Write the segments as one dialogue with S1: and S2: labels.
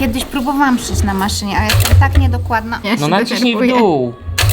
S1: Kiedyś próbowałam szyć na maszynie, ale jestem tak niedokładna. Ja
S2: No
S1: się
S2: naciśnij w
S1: denerwuję.
S2: dół.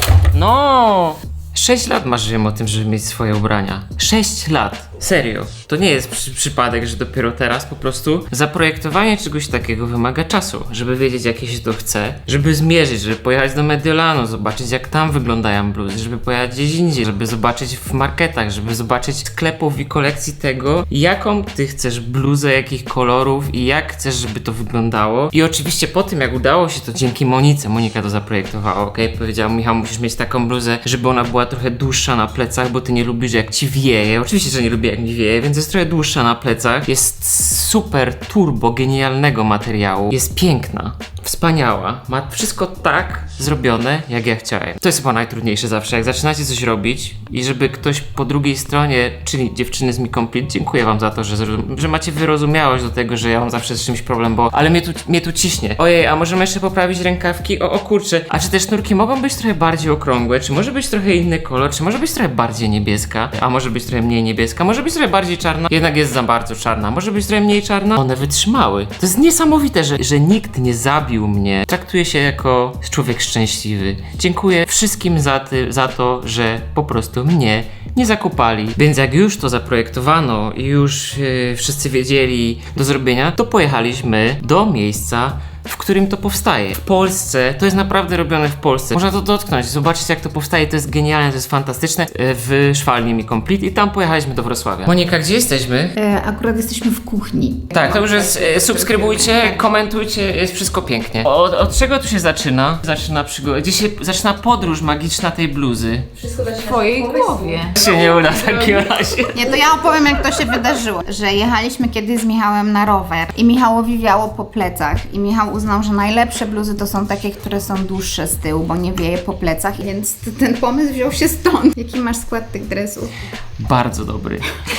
S2: No! 6 lat marzyłem o tym, żeby mieć swoje ubrania. 6 lat. Serio. To nie jest przypadek, że dopiero teraz po prostu zaprojektowanie czegoś takiego wymaga czasu, żeby wiedzieć, jakie się to chce, żeby zmierzyć, żeby pojechać do Mediolanu, zobaczyć, jak tam wyglądają bluzy, żeby pojechać gdzieś indziej, żeby zobaczyć w marketach, żeby zobaczyć sklepów i kolekcji tego, jaką ty chcesz bluzę, jakich kolorów i jak chcesz, żeby to wyglądało. I oczywiście po tym, jak udało się to dzięki Monice, Monika to zaprojektowała, okej? Powiedziała, Michał, musisz mieć taką bluzę, żeby ona była trochę dłuższa na plecach, bo ty nie lubisz, jak ci wieje. Oczywiście, że nie lubię, jak mi wieje, więc jest trochę dłuższa na plecach. Jest super turbo genialnego materiału. Jest piękna, wspaniała. Ma wszystko tak zrobione, jak ja chciałem. To jest chyba najtrudniejsze zawsze, jak zaczynacie coś robić i żeby ktoś po drugiej stronie, czyli dziewczyny z Mi Complete, dziękuję wam za to, że macie wyrozumiałość do tego, że ja mam zawsze z czymś problem, bo ale mnie tu ciśnie. Ojej, a możemy jeszcze poprawić rękawki? O kurczę. A czy te sznurki mogą być trochę bardziej okrągłe? Czy może być trochę inny kolor? Czy może być trochę bardziej niebieska? A może być trochę mniej niebieska? Może być trochę bardziej czarna? Jednak jest za bardzo czarna. Może być trochę mniej czarna? One wytrzymały. To jest niesamowite, że nikt nie zabił mnie. Traktuję się jako człowiek szczęśliwy. Dziękuję wszystkim za to, że po prostu mnie nie zakopali. Więc jak już to zaprojektowano i już wszyscy wiedzieli do zrobienia, to pojechaliśmy do miejsca, w którym to powstaje. W Polsce, to jest naprawdę robione w Polsce. Można to dotknąć, zobaczyć, jak to powstaje, to jest genialne, to jest fantastyczne. W szwalni Mi Complete i tam pojechaliśmy do Wrocławia. Monika, gdzie jesteśmy?
S1: Akurat jesteśmy w kuchni.
S2: Tak, to już jest, subskrybujcie, komentujcie, jest wszystko pięknie. Od czego tu się zaczyna? Zaczyna przygoda, gdzie się zaczyna podróż magiczna tej bluzy?
S1: W twojej głowie.
S2: Się nie uda w takim razie.
S1: Nie, to ja opowiem, jak to się wydarzyło. Że jechaliśmy kiedyś z Michałem na rower i Michałowi wiało po plecach i Michał uznał, że najlepsze bluzy to są takie, które są dłuższe z tyłu, bo nie wieje po plecach, więc ten pomysł wziął się stąd. Jaki masz skład tych dresów?
S2: Bardzo dobry.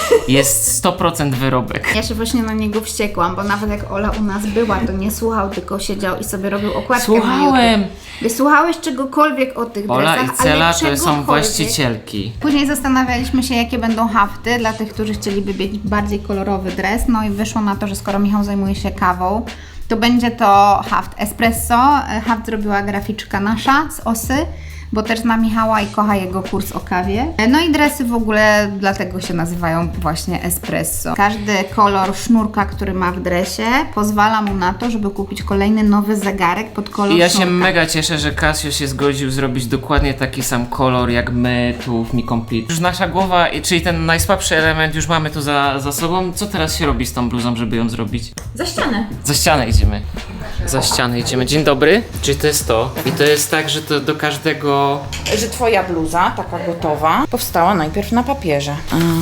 S2: Jest 100% wyrobek.
S1: Ja się właśnie na niego wściekłam, bo nawet jak Ola u nas była, to nie słuchał, tylko siedział i sobie robił okładkę na
S2: Słuchałem!
S1: YouTube. Wysłuchałeś czegokolwiek o tych
S2: Ola
S1: dresach,
S2: i Cela
S1: ale
S2: to
S1: czegokolwiek.
S2: są właścicielki.
S1: Później zastanawialiśmy się, jakie będą hafty dla tych, którzy chcieliby mieć bardziej kolorowy dres. No i wyszło na to, że skoro Michał zajmuje się kawą, to będzie to haft espresso. Haft zrobiła graficzka nasza z Osy, bo też zna Michała i kocha jego kurs o kawie. No i dresy w ogóle dlatego się nazywają właśnie espresso. Każdy kolor sznurka, który ma w dresie, pozwala mu na to, żeby kupić kolejny nowy zegarek pod kolor
S2: I ja
S1: sznurka.
S2: się mega cieszę, że Casio się zgodził zrobić dokładnie taki sam kolor jak my tu w Mi Complete. Już nasza głowa, czyli ten najsłabszy element już mamy tu za sobą. Co teraz się robi z tą bluzą, żeby ją zrobić?
S1: Za ścianę.
S2: Za ścianę idziemy. Za ścianę idziemy. Dzień dobry. Czyli to jest to. I to jest tak, że to do każdego...
S3: Że twoja bluza, taka gotowa, powstała najpierw na papierze.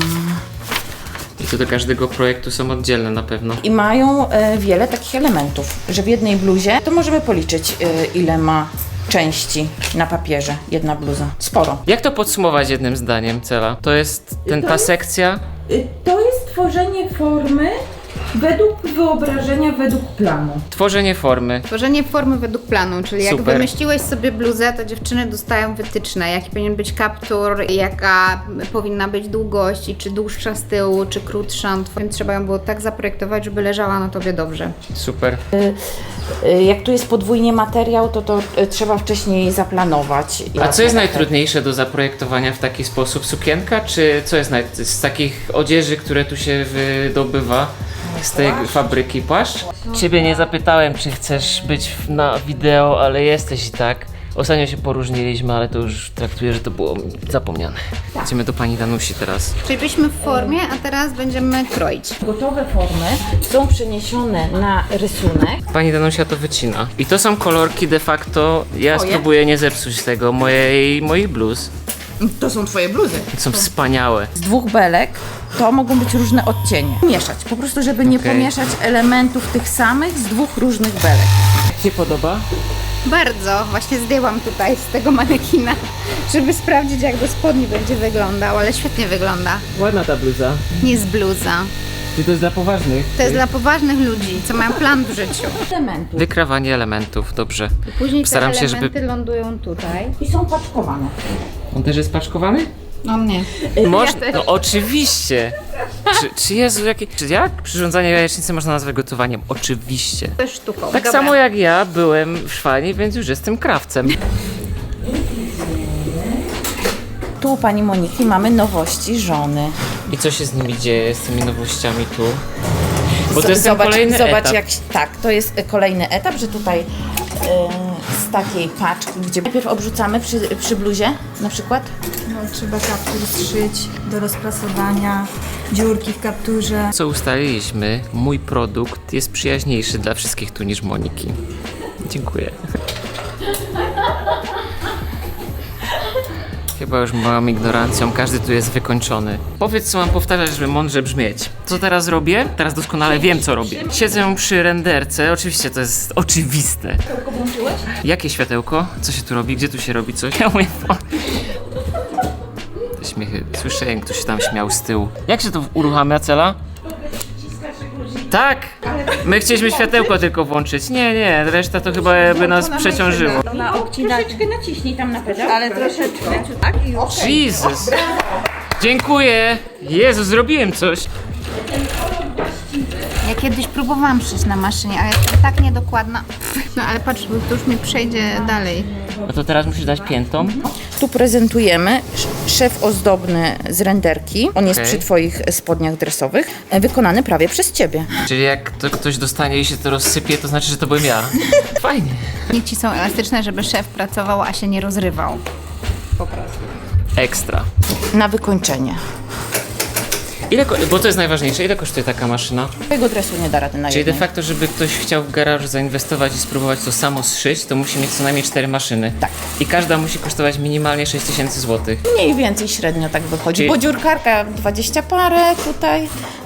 S2: I to do każdego projektu są oddzielne na pewno.
S3: I mają wiele takich elementów, że w jednej bluzie to możemy policzyć, ile ma części na papierze jedna bluza. Sporo.
S2: Jak to podsumować jednym zdaniem, Cela? To jest ta sekcja...
S4: To jest tworzenie formy według wyobrażenia, według planu.
S2: Tworzenie formy.
S1: Tworzenie formy według planu, czyli jak
S2: Super.
S1: wymyśliłeś sobie bluzę, to dziewczyny dostają wytyczne, jaki powinien być kaptur, jaka powinna być długość, i czy dłuższa z tyłu, czy krótsza. Więc trzeba ją było tak zaprojektować, żeby leżała na tobie dobrze.
S2: Super.
S3: Jak tu jest podwójnie materiał, to trzeba wcześniej zaplanować.
S2: A co jest najtrudniejsze do zaprojektowania w taki sposób? Sukienka, czy co jest z takich odzieży, które tu się wydobywa z tej fabryki, płaszcz? Ciebie nie zapytałem, czy chcesz być na wideo, ale jesteś i tak. Ostatnio się poróżniliśmy, ale to już traktuję, że to było zapomniane. Idziemy do pani Danusi teraz.
S1: Czyli byliśmy w formie, a teraz będziemy kroić.
S3: Gotowe formy są przeniesione na rysunek.
S2: Pani Danusia to wycina. I to są kolorki de facto, ja spróbuję nie zepsuć tego, moich bluz.
S3: To są twoje bluzy.
S2: Są wspaniałe.
S3: Z dwóch belek to mogą być różne odcienie. Mieszać, po prostu żeby nie
S2: Okej.
S3: pomieszać elementów tych samych z dwóch różnych belek.
S2: Jak Ci podoba?
S1: Bardzo. Właśnie zdjęłam tutaj z tego manekina, żeby sprawdzić, jak do spodni będzie wyglądał, ale świetnie wygląda.
S2: Ładna ta bluza.
S1: Nie jest bluza.
S2: Czy to jest dla poważnych?
S1: To jest dla poważnych ludzi, co mają plan w życiu.
S3: Elementów.
S2: Wykrawanie elementów, dobrze.
S1: I później
S2: Staram
S1: te
S2: się,
S1: elementy
S2: żeby...
S1: lądują tutaj.
S3: I są paczkowane.
S2: On też jest paczkowany?
S1: No nie.
S2: Można, no oczywiście. Czy Jezu, czy jak przyrządzanie jajecznicy można nazwać gotowaniem? Oczywiście.
S1: To jest sztuką.
S2: Tak
S1: Dobra.
S2: samo jak ja byłem w Szwanii, więc już jestem krawcem.
S3: Tu u pani Moniki mamy nowości żony.
S2: I co się z nimi dzieje, z tymi nowościami tu? Bo to jest ten kolejny etap.
S3: Tak, to jest kolejny etap, że tutaj z takiej paczki, gdzie najpierw obrzucamy przy bluzie na przykład.
S5: No, trzeba kaptur zszyć do rozprasowania, dziurki w kapturze.
S2: Co ustaliliśmy, mój produkt jest przyjaźniejszy dla wszystkich tu niż Moniki. Dziękuję. Chyba już małą ignorancją, każdy tu jest wykończony. Powiedz, co mam powtarzać, żeby mądrze brzmieć. Co teraz robię? Teraz doskonale wiem, co robię. Siedzę przy renderce, oczywiście to jest oczywiste. Światełko włączyłeś? Jakie światełko? Co się tu robi? Gdzie tu się robi coś? Ja mówię, te śmiechy, słyszałem, ktoś się tam śmiał z tyłu. Jak się to uruchamia, Cela? Tak! My chcieliśmy światełko tylko włączyć. Nie, reszta to chyba by nas przeciążyło.
S3: Troszeczkę naciśnij tam na pedał. Ale troszeczkę. Tak, i już.
S2: Jezus! Dziękuję! Jezu, zrobiłem coś!
S1: Ja kiedyś próbowałam szyć na maszynie, ale jestem tak niedokładna. No ale patrz, bo to już mi przejdzie dalej.
S2: No to teraz musisz dać piętą.
S3: Tu prezentujemy szef ozdobny z renderki. On jest
S2: Okej.
S3: przy twoich spodniach dresowych, wykonany prawie przez ciebie.
S2: Czyli jak to ktoś dostanie i się to rozsypie, to znaczy, że to byłem ja. Fajnie.
S1: Nici są elastyczne, żeby szef pracował, a się nie rozrywał.
S2: Ekstra.
S3: Na wykończenie.
S2: Bo to jest najważniejsze, ile kosztuje taka maszyna?
S3: Twojego dresu nie da rady na
S2: Czyli de
S3: jednej.
S2: facto, żeby ktoś chciał w garażu zainwestować i spróbować to samo zszyć, to musi mieć co najmniej 4 maszyny.
S3: Tak.
S2: I każda musi kosztować minimalnie 6000 zł.
S3: Mniej więcej średnio tak wychodzi.
S2: Czyli-
S3: Bo dziurkarka 20 parę tutaj.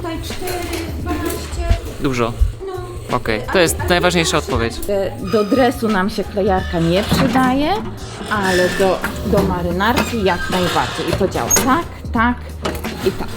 S2: Dużo. Okej, to jest najważniejsza odpowiedź.
S3: Do dresu nam się klejarka nie przydaje, ale do marynarki jak najbardziej. I to działa tak i tak.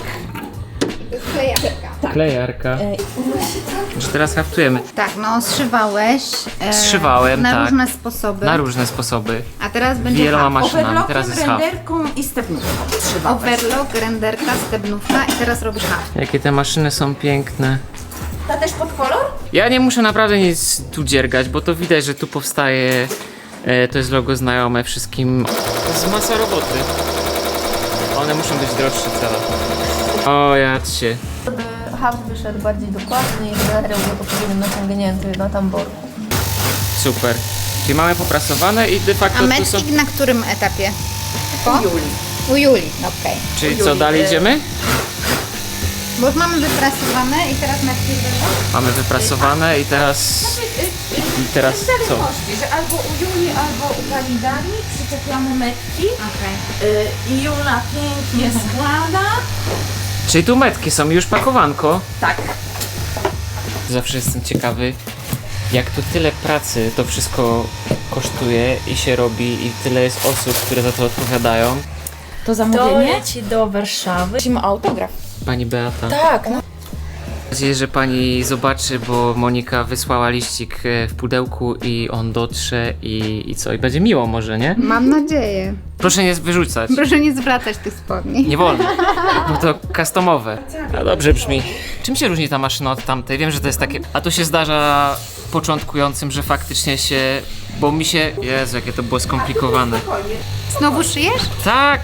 S2: Klejarka. Że teraz haftujemy.
S1: Tak, no zszywałeś.
S2: Zszywałem,
S1: na
S2: tak.
S1: różne sposoby.
S2: Na różne sposoby.
S1: A teraz będzie
S2: Wieloma
S1: haft.
S2: maszynami. Teraz jest haft.
S3: renderką i stepnówką trzymałeś.
S1: Overlock, renderka, stebnówka i teraz robisz haft.
S2: Jakie te maszyny są piękne.
S3: Ta też pod kolor?
S2: Ja nie muszę naprawdę nic tu dziergać, bo to widać, że tu powstaje, to jest logo znajome wszystkim. To jest masa roboty. One muszą być droższe cała. O, jadźcie.
S6: Żeby haft wyszedł bardziej dokładny i materiał był odpowiednio naciągnięty na tamborku.
S2: Super. Czyli mamy poprasowane i de
S1: A
S2: facto tu są...
S1: mecik na którym etapie? Po? U Julii, okej.
S2: Czyli co, dalej idziemy?
S1: Bo już mamy wyprasowane i teraz mecik wyszło?
S2: Mamy wyprasowane i teraz... I teraz co?
S3: Że albo u Julii, albo u pani Dani przyczepiamy metki
S1: Okej.
S3: i Jula pięknie składa.
S2: Czyli tu metki są już pakowanko.
S3: Tak.
S2: Zawsze jestem ciekawy, jak tu tyle pracy to wszystko kosztuje i się robi i tyle jest osób, które za to odpowiadają.
S3: To
S6: To
S3: zamówienie?
S6: leci do Warszawy.
S3: Prosimy o autograf.
S2: Pani Beata.
S6: Tak, no.
S2: Mam nadzieję, że pani zobaczy, bo Monika wysłała liścik w pudełku i on dotrze i co? I będzie miło może, nie?
S1: Mam nadzieję.
S2: Proszę nie wyrzucać.
S1: Proszę nie zwracać tych spodni.
S2: Nie wolno, bo to customowe. A dobrze brzmi. Czym się różni ta maszyna od tamtej? Wiem, że to jest takie... A to się zdarza początkującym, że faktycznie się... Bo mi się... Jezu, jakie to było skomplikowane.
S1: Znowu szyjesz?
S2: Tak!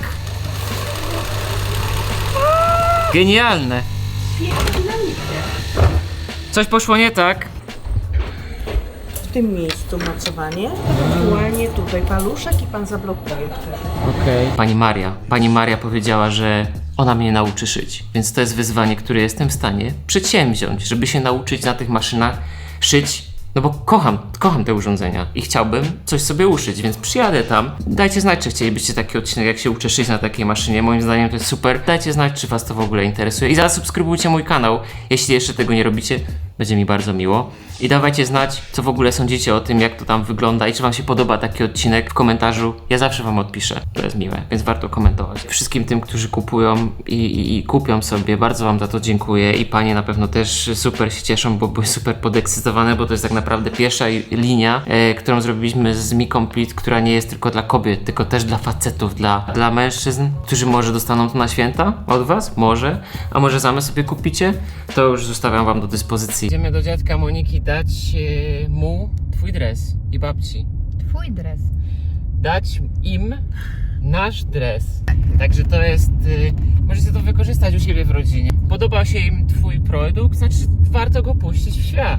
S2: Genialne! Coś poszło nie tak.
S7: W tym miejscu mocowanie, ewentualnie tutaj paluszek i pan zablokuje wtedy.
S2: Okej. Pani Maria powiedziała, że ona mnie nauczy szyć, więc to jest wyzwanie, które jestem w stanie przedsięwziąć, żeby się nauczyć na tych maszynach szyć, no bo kocham te urządzenia i chciałbym coś sobie uszyć, więc przyjadę tam. Dajcie znać, czy chcielibyście taki odcinek, jak się uczę szyć na takiej maszynie, moim zdaniem to jest super. Dajcie znać, czy was to w ogóle interesuje i zasubskrybujcie mój kanał, jeśli jeszcze tego nie robicie. Będzie mi bardzo miło. I dawajcie znać, co w ogóle sądzicie o tym, jak to tam wygląda i czy wam się podoba taki odcinek w komentarzu. Ja zawsze wam odpiszę. To jest miłe, więc warto komentować. Wszystkim tym, którzy kupują i kupią sobie, bardzo wam za to dziękuję. I panie na pewno też super się cieszą, bo były super podekscytowane, bo to jest tak naprawdę pierwsza linia, którą zrobiliśmy z Mi Complete, która nie jest tylko dla kobiet, tylko też dla facetów, dla mężczyzn, którzy może dostaną to na święta od was, może, a może same sobie kupicie, to już zostawiam wam do dyspozycji. Idziemy do dziadka Moniki dać mu twój dres i babci.
S1: Twój dres.
S2: Dać im nasz dres. Także to jest, możecie to wykorzystać u siebie w rodzinie. Podobał się im twój produkt, znaczy warto go puścić w świat.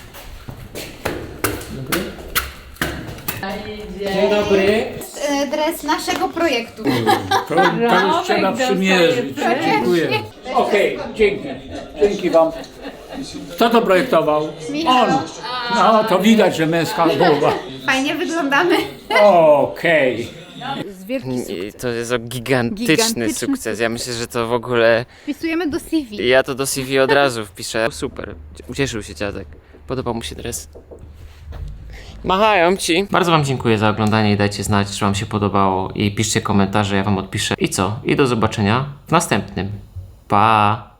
S2: Dzień dobry.
S1: Dres naszego projektu.
S8: To już trzeba przymierzyć. Dziękuję. Okej, dzięki. Dzięki wam. Kto to projektował? On. No, to widać, że męska głowa.
S1: Fajnie wyglądamy.
S8: Okej.
S2: I to jest gigantyczny sukces. Ja myślę, że to w ogóle...
S1: Wpisujemy do CV.
S2: Ja to do CV od razu wpiszę. Super. Ucieszył się dziadek. Podobał mu się dres. Machają ci. Bardzo wam dziękuję za oglądanie i dajcie znać, czy wam się podobało. I piszcie komentarze, ja wam odpiszę. I co? I do zobaczenia w następnym. Pa!